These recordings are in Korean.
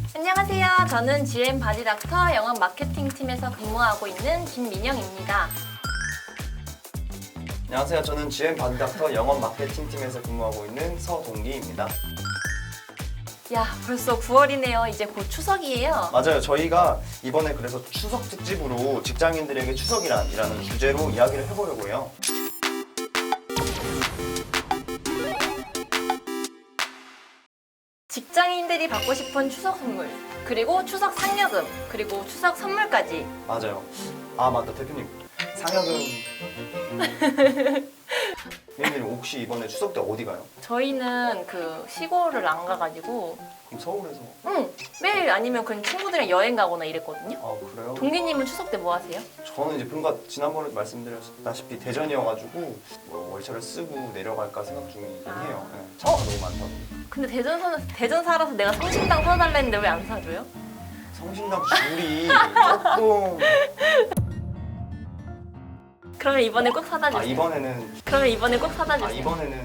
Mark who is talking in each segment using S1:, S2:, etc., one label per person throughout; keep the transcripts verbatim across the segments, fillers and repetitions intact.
S1: 안녕하세요. 저는 지엠 바디닥터 영업 마케팅 팀에서 근무하고 있는 김민영입니다.
S2: 안녕하세요. 저는 지엠 바디닥터 영업 마케팅 팀에서 근무하고 있는 서동기입니다.
S1: 야, 벌써 구월이네요. 이제 곧 추석이에요.
S2: 맞아요. 저희가 이번에 그래서 추석 특집으로 직장인들에게 추석이란이라는 주제로 이야기를 해보려고 해요.
S1: 직장인들이 받고 싶은 추석 선물, 그리고 추석 상여금, 그리고 추석 선물까지.
S2: 맞아요. 아 맞다 대표님 상여금. 민영님 혹시 이번에 추석 때 어디 가요?
S1: 저희는 그 시골을 안 가가지고
S2: 그럼 서울에서.
S1: 응, 매일 아니면 그냥 친구들이랑 여행 가거나 이랬거든요.
S2: 아 그래요?
S1: 동기님은 추석 때 뭐 하세요?
S2: 저는 이제 뭔가 지난번에 말씀드렸다시피 대전이어가지고 뭐 월차를 쓰고 내려갈까 생각 중이긴
S1: 아.
S2: 해요. 네, 차가 너무 많다고.
S1: 근데 대전 사, 대전 살아서 내가 성심당 사달라 했는데 왜 안 사줘요?
S2: 성심당 줄이 조금.
S1: 그러면 이번에 꼭 사다 주세요.
S2: 아 이번에는.
S1: 그러면 이번에 꼭 사다 주세요.
S2: 아 이번에는.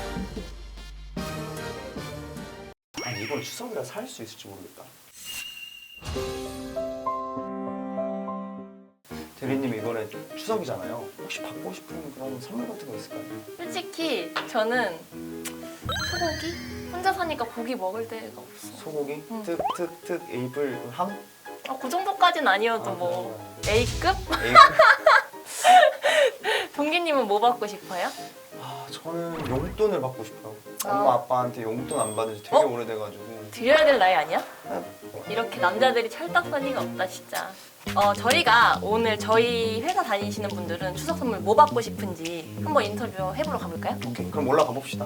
S2: 아 이번 추석이라 살 수 있을지 모르겠다. 대리님 이번에 추석이잖아요. 혹시 받고 싶은 그런 선물 같은 거 있을까요?
S1: 솔직히 저는 소고기? 혼자 사니까 고기 먹을 데가 없어.
S2: 소고기?
S1: 응.
S2: 특, 특, 특, 에이블, 함?
S1: 아, 그 정도까진 아니어도
S2: 아,
S1: 뭐
S2: 그런 건 아니고.
S1: A급?
S2: 에이블?
S1: 동기님은 뭐 받고 싶어요?
S2: 아 저는 용돈을 받고 싶어요.
S1: 아.
S2: 엄마 아빠한테 용돈 안 받은 지 되게
S1: 어?
S2: 오래돼가지고.
S1: 드려야 될 나이 아니야?
S2: 네.
S1: 이렇게 남자들이 찰떡선이가 없다 진짜. 어, 저희가 오늘 저희 회사 다니시는 분들은 추석 선물 뭐 받고 싶은지 한번 인터뷰 해보러 가볼까요?
S2: 오케이 그럼 올라가 봅시다.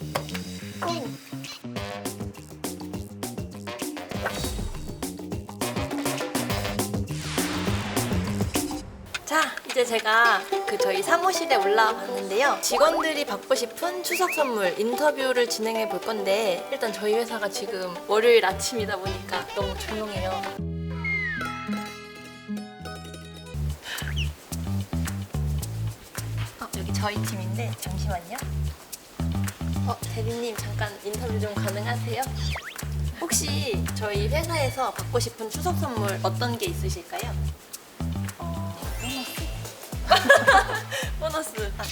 S1: 자, 이제 제가 그 저희 사무실에 올라와 봤는데요. 직원들이 받고 싶은 추석 선물 인터뷰를 진행해 볼 건데 일단 저희 회사가 지금 월요일 아침이다 보니까 너무 조용해요. 어, 여기 저희 팀인데 잠시만요. 어, 대리님 잠깐 인터뷰 좀 가능하세요? 혹시 저희 회사에서 받고 싶은 추석 선물 어떤 게 있으실까요? 보너스. 아.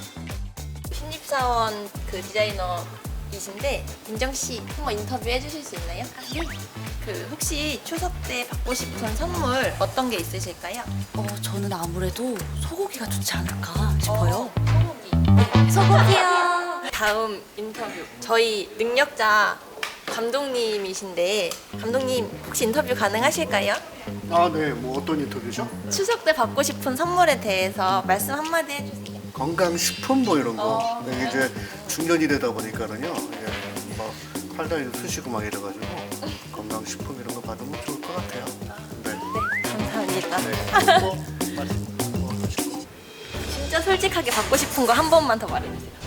S1: 신입사원 그 디자이너이신데 민정 씨 한번 인터뷰 해주실 수 있나요? 네. 그 혹시 추석 때 받고 싶은 선물 어떤 게 있으실까요?
S3: 어, 저는 아무래도 소고기가 좋지 않을까 싶어요.
S1: 어, 소고기. 네, 소고기요. 다음 인터뷰. 저희 능력자 감독님이신데 감독님 혹시 인터뷰 가능하실까요?
S4: 아, 네. 뭐 어떤 인터뷰죠?
S1: 추석 때 받고 싶은 선물에 대해서 말씀 한마디 해주세요.
S4: 건강식품 뭐 이런 거.
S1: 어,
S4: 네, 이제 중년이 되다 보니까는요. 예, 뭐 팔다리도 쑤시고 막 이래가지고 건강식품 이런 거 받으면 좋을 것 같아요. 네.
S1: 네, 감사합니다.
S4: 네. 뭐 맛있는 거 하시고.
S1: 진짜 솔직하게 받고 싶은 거 한 번만 더 말해주세요.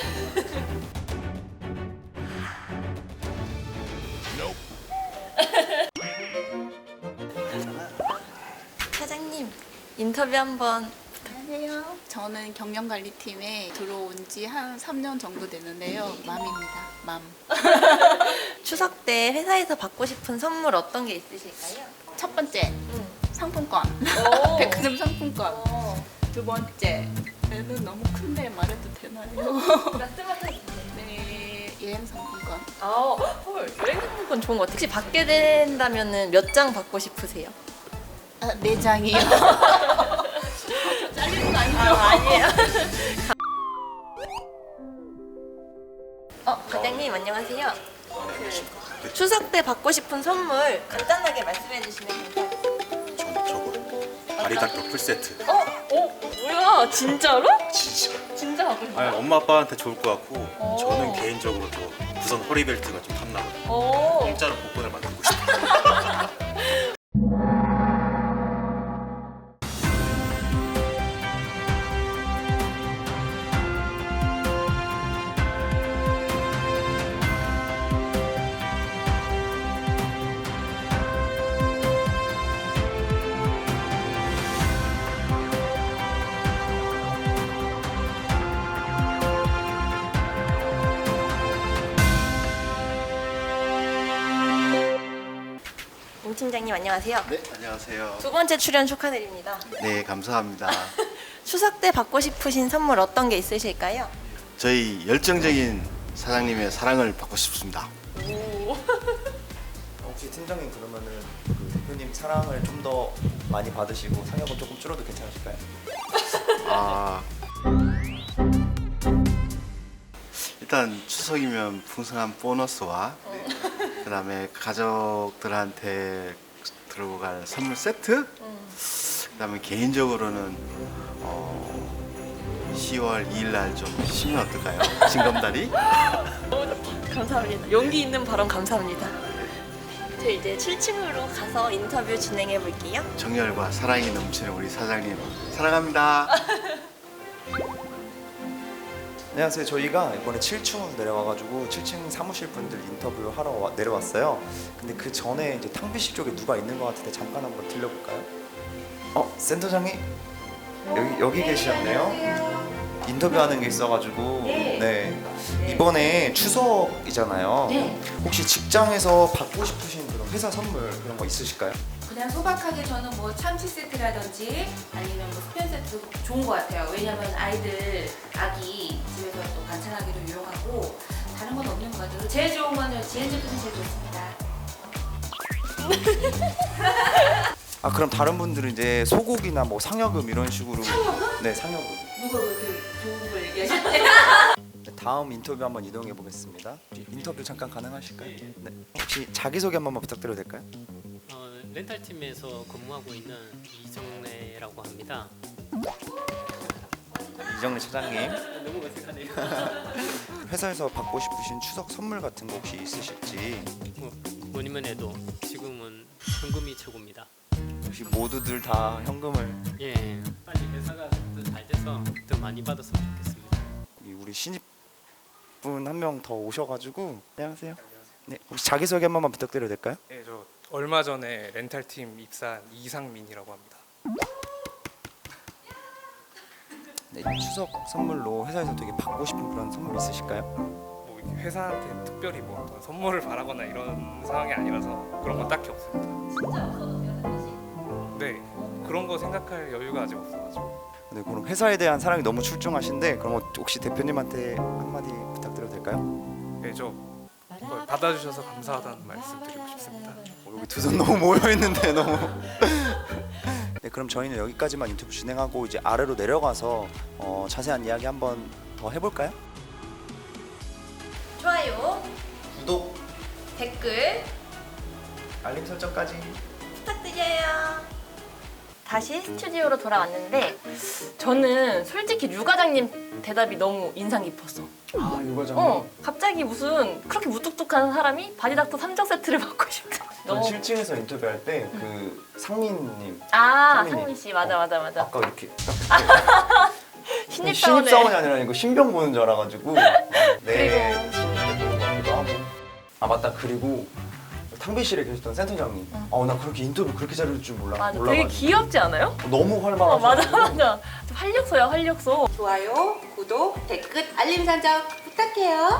S1: 사장님 인터뷰 한번.
S5: 안녕하세요. 저는 경영관리팀에 들어온 지 한 삼 년 정도 되는데요. 맘입니다. 맘.
S1: 추석 때 회사에서 받고 싶은 선물 어떤 게 있으실까요?
S5: 첫 번째,
S1: 응.
S5: 상품권.
S1: 오.
S5: 백화점 상품권.
S1: 어.
S5: 두 번째, 애는 너무 큰데 말해도 되나요?
S1: 말씀하세요.
S5: 네, 여행 상품권.
S1: 아, 헐, 여행 상품권 좋은 것 같아요. 혹시 받게 된다면 몇 장 받고 싶으세요?
S5: 아, 네 장이요. 잘리는 거 아니죠?
S1: 아, 아니에요. 어, 과장님 안녕하세요. 그 추석 때 받고 싶은 선물 간단하게 말씀해 주시면 감사하겠습니다.
S6: 저, 저거 바리닥터 풀세트.
S1: 어? 어? 뭐야? 진짜로?
S6: 진짜.
S1: 진짜 받고 싶어요?
S6: 아니, 엄마 아빠한테 좋을 것 같고
S1: 오.
S6: 저는 개인적으로 저 부선 허리벨트가 좀 탐나거든요.
S1: 오.
S6: 공짜로 복권을 만들고 싶어요.
S1: 팀장님 안녕하세요.
S4: 네, 안녕하세요.
S1: 두 번째 출연 축하드립니다.
S4: 네, 감사합니다.
S1: 추석 때 받고 싶으신 선물 어떤 게 있으실까요?
S4: 저희 열정적인 사장님의 사랑을 받고 싶습니다.
S2: 혹시 팀장님 그러면은 그 대표님 사랑을 좀 더 많이 받으시고 상여금 조금 줄어도 괜찮으실까요?
S4: 아, 일단 추석이면 풍성한 보너스와 그다음에 가족들한테 들고 갈 선물 세트, 그다음에 개인적으로는 어, 시월 이일 날 좀 쉬면 어떨까요? 징검다리?
S1: 감사합니다. 용기 있는 발언 감사합니다. 저 이제 칠 층으로 가서 인터뷰 진행해 볼게요.
S4: 정열과 사랑이 넘치는 우리 사장님 사랑합니다.
S2: 안녕하세요. 저희가 이번에 칠 층으로 내려와가지고 칠 층 사무실 분들 인터뷰 하러 와- 내려왔어요. 근데 그 전에 이제 탕비실 쪽에 누가 있는 것 같은데 잠깐 한번 들려볼까요? 어, 센터장님 여기 여기 계시었네요. 인터뷰하는 게 있어가지고 네. 이번에 추석이잖아요.
S3: 네.
S2: 혹시 직장에서 받고 싶으신 그런 회사 선물 그런 거 있으실까요?
S3: 그냥 소박하게 저는 뭐 참치 세트라든지 아니면 뭐 스팸 세트도 좋은 것 같아요. 왜냐면 아이들 아기 집에서 또 반찬하기도 유용하고 다른 건 없는 것 같아요. 제일 좋은 거는 지엔 제품이 제일 좋습니다.
S2: 아 그럼 다른 분들은 이제 소고기나 뭐 상여금 이런 식으로
S3: 상여금?
S2: 네 상여금.
S3: 누가 그렇게 좋은 걸 얘기하셨대?
S2: 네, 다음 인터뷰 한번 이동해 보겠습니다. 인터뷰 잠깐 가능하실까요? 네. 혹시 자기 소개 한 번만 부탁드려도 될까요?
S7: 어, 렌탈팀에서 근무하고 있는 이정래라고 합니다.
S2: 이정래 차장님.
S7: 너무 어색하네요.
S2: 회사에서 받고 싶으신 추석 선물 같은 거 혹시 있으실지
S7: 뭐, 뭐니면 해도 지금은 현금이 최고입니다.
S2: 혹시 모두들 다 현금을
S7: 예, 빨리 회사가 더 잘 돼서 더 많이 받았으면 좋겠습니다.
S2: 이 우리 신입분 한 명 더 오셔가지고 안녕하세요. 네 혹시 자기 소개 한 번만 부탁드려도 될까요?
S8: 네, 저 얼마 전에 렌탈팀 입사한 이상민이라고 합니다.
S2: 네, 추석 선물로 회사에서 되게 받고 싶은 그런 선물 있으실까요?
S8: 뭐 이렇게 회사한테 특별히 뭐 어떤 선물을 바라거나 이런 상황이 아니라서 그런 건 딱히 없습니다.
S3: 진짜 없어도 되는 거지?
S8: 네, 그런 거 생각할 여유가 아직 없어가지고.
S2: 네 그럼 회사에 대한 사랑이 너무 출중하신데 그럼 혹시 대표님한테 한마디 부탁드려도 될까요?
S8: 네, 저 이걸 받아주셔서 감사하다는 말씀 드리고 싶습니다.
S2: 어, 여기 두 손 너무 모여 있는데 너무. 네, 그럼 저희는 여기까지만 인터뷰 진행하고 이제 아래로 내려가서 어, 자세한 이야기 한번 더 해볼까요?
S1: 좋아요,
S2: 구독,
S1: 댓글
S2: 알림 설정까지.
S1: 부탁드려요. 다시 스튜디오로 돌아왔는데 저는 솔직히 류 과장님 대답이 너무 인상 깊었어.
S2: 아 유과장.
S1: 어, 갑자기 무슨 그렇게 무뚝뚝한 사람이 바디닥터 삼 종 세트를 받고 싶다.
S2: 전
S1: 너무
S2: 칠 층에서 인터뷰할 때 그 상민님
S1: 아
S2: 상민님.
S1: 상민 씨 맞아 맞아 맞아.
S2: 아까 이렇게
S1: 신입사원에
S2: 신입사원이 아니라 이거 신병 보는 줄 알아가지고 네
S1: 그리고-
S2: 신입 보는 것 같기도 하고. 아 맞다 그리고 탕비실에 계셨던 센터장님. 아나 그렇게 인터뷰 그렇게 잘해줄 줄 몰라.
S1: 맞아.
S2: 몰라가지고.
S1: 되게 귀엽지 않아요?
S2: 너무
S1: 어
S2: 활발하셔.
S1: 맞아 맞아. 활력소야 활력소.
S3: 좋아요, 구독, 댓글, 알림 설정 부탁해요.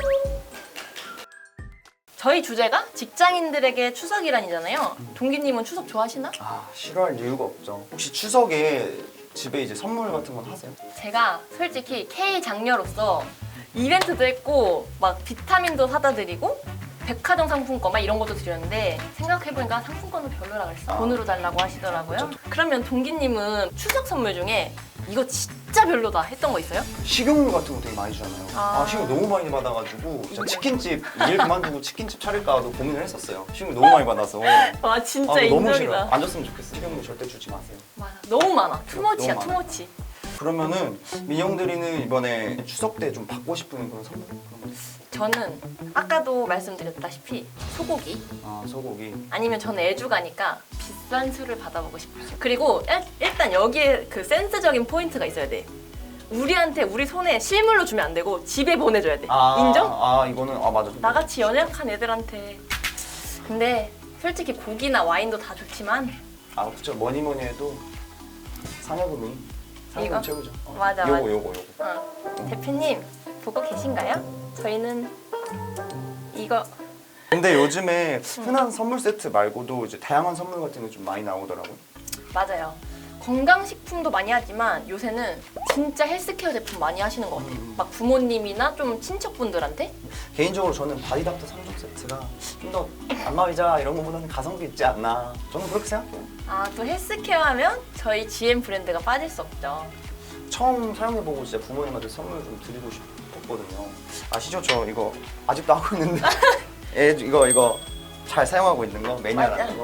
S1: 저희 주제가 직장인들에게 추석이란이잖아요. 동기님은 추석 좋아하시나?
S2: 아 싫어할 이유가 없죠. 혹시 추석에 집에 이제 선물 같은 건 하세요?
S1: 제가 솔직히 K 장녀로서 이벤트도 했고 막 비타민도 사다 드리고 백화점 상품권 막 이런 것도 드렸는데 생각해보니까 상품권은 별로라 그랬어. 돈으로 달라고 하시더라고요. 그러면 동기님은 추석 선물 중에 이거 진짜 별로다 했던 거 있어요?
S2: 식용유 같은 거 되게 많이 주잖아요.
S1: 아.
S2: 아, 식용유 너무 많이 받아가지고 진짜 치킨집 일 그만두고 치킨집 차릴까도 고민을 했었어요. 식용유 너무 많이 받아서.
S1: 와 진짜
S2: 아, 너무
S1: 인정이다.
S2: 싫어. 안 줬으면 좋겠어. 식용유 절대 주지 마세요.
S1: 많아. 너무 많아. 투머치야
S2: 너무 많아.
S1: 투머치.
S2: 그러면은 민영들이는 이번에 추석 때 좀 받고 싶은 그런 선물 그런 거 있어요?
S1: 저는 아까도 말씀드렸다시피 소고기
S2: 아 소고기.
S1: 아니면 저는 애주가니까 비싼 술을 받아보고 싶어요. 그리고 일, 일단 여기에 그 센스적인 포인트가 있어야 돼. 우리한테 우리 손에 실물로 주면 안 되고 집에 보내줘야 돼.
S2: 아,
S1: 인정?
S2: 아 이거는 아 맞아.
S1: 나같이 연약한 애들한테. 근데 솔직히 고기나 와인도 다 좋지만
S2: 아 그쵸 뭐니 뭐니 해도 상여금이 상여금
S1: 이거?
S2: 최고죠. 어,
S1: 맞아,
S2: 요거
S1: 맞아.
S2: 요거 요거.
S1: 어. 대표님 보고 계신가요? 저희는 이거
S2: 근데 요즘에 흔한 선물 세트 말고도 이제 다양한 선물 같은 게 좀 많이 나오더라고요.
S1: 맞아요. 건강식품도 많이 하지만 요새는 진짜 헬스케어 제품 많이 하시는 것 같아요.
S2: 음.
S1: 막 부모님이나 좀 친척분들한테.
S2: 개인적으로 저는 바디닥터 삼 종 세트가 좀 더 안마의자 이런 거보다는 가성비 있지 않나. 저는 그렇게 생각해요.
S1: 아, 또 헬스케어 하면 저희 지엠 브랜드가 빠질 수 없죠.
S2: 처음 사용해보고 진짜 부모님한테 선물 좀 드리고 싶었거든요. 아시죠? 저 이거 아직도 하고 있는데 예, 이거 이거 잘 사용하고 있는 거 매니아라는
S1: 맞아.
S2: 거.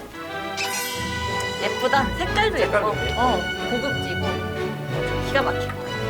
S1: 예쁘다. 색깔도,
S2: 색깔도
S1: 예뻐.
S2: 예뻐.
S1: 어, 고급지고 기가 막혀.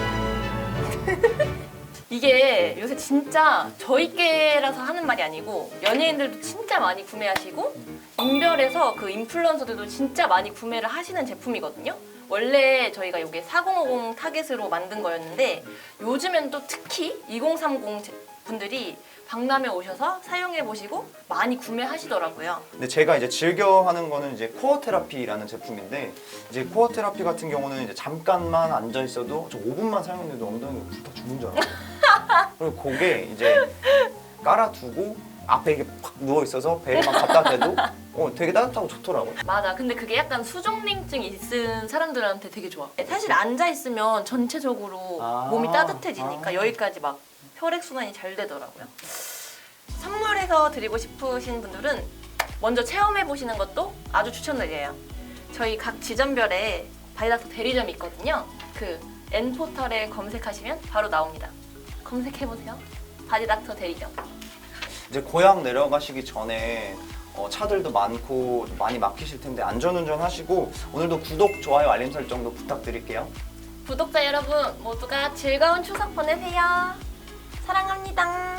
S1: 이게 요새 진짜 저희께라서 하는 말이 아니고 연예인들도 진짜 많이 구매하시고 인별에서 그 인플루언서들도 진짜 많이 구매를 하시는 제품이거든요. 원래 저희가 이게 사공오공 타겟으로 만든 거였는데 요즘엔 또 특히 이공삼공 제- 분들이 박람회 오셔서 사용해 보시고 많이 구매하시더라고요.
S2: 근데 제가 이제 즐겨 하는 거는 이제 코어 테라피라는 제품인데 이제 코어 테라피 같은 경우는 이제 잠깐만 앉아 있어도 저 오 분만 사용했는데도 엉덩이가 불타 죽는 줄 알아요. 그리고 그게 이제 깔아두고 앞에 이게 팍 누워 있어서 배에 막 갖다 대도 어 되게 따뜻하고 좋더라고요.
S1: 맞아. 근데 그게 약간 수족냉증 있은 사람들한테 되게 좋아. 사실 앉아 있으면 전체적으로
S2: 아.
S1: 몸이 따뜻해지니까
S2: 아.
S1: 여기까지 막 혈액 순환이 잘 되더라고요. 선물해서 드리고 싶으신 분들은 먼저 체험해 보시는 것도 아주 추천드려요. 저희 각 지점별에 바디닥터 대리점이 있거든요. 그 N포털에 검색하시면 바로 나옵니다. 검색해 보세요. 바디닥터 대리점.
S2: 이제 고향 내려가시기 전에 어, 차들도 많고 많이 막히실 텐데 안전운전 하시고 오늘도 구독, 좋아요, 알림 설정도 부탁드릴게요.
S1: 구독자 여러분 모두가 즐거운 추석 보내세요. 사랑합니다.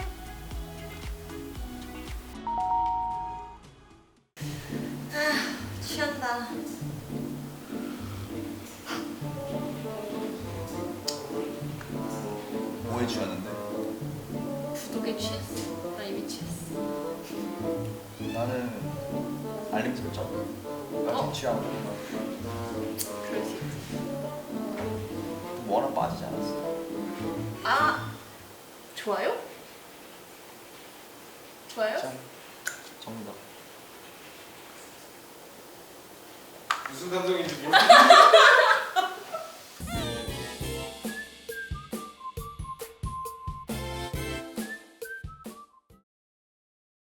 S1: 아, 취한다.
S2: 뭐에 취하는데?
S1: 구독에 취했어. 나 이미 취했어.
S2: 나는 알림 설정.
S1: 어?
S2: 취하는 거.
S1: 그럴 수 있지.
S2: 뭐 하나 빠지지 않았어?
S1: 아, 좋아요? 좋아요?
S2: 정답.
S8: 무슨 감정인지 모르겠어.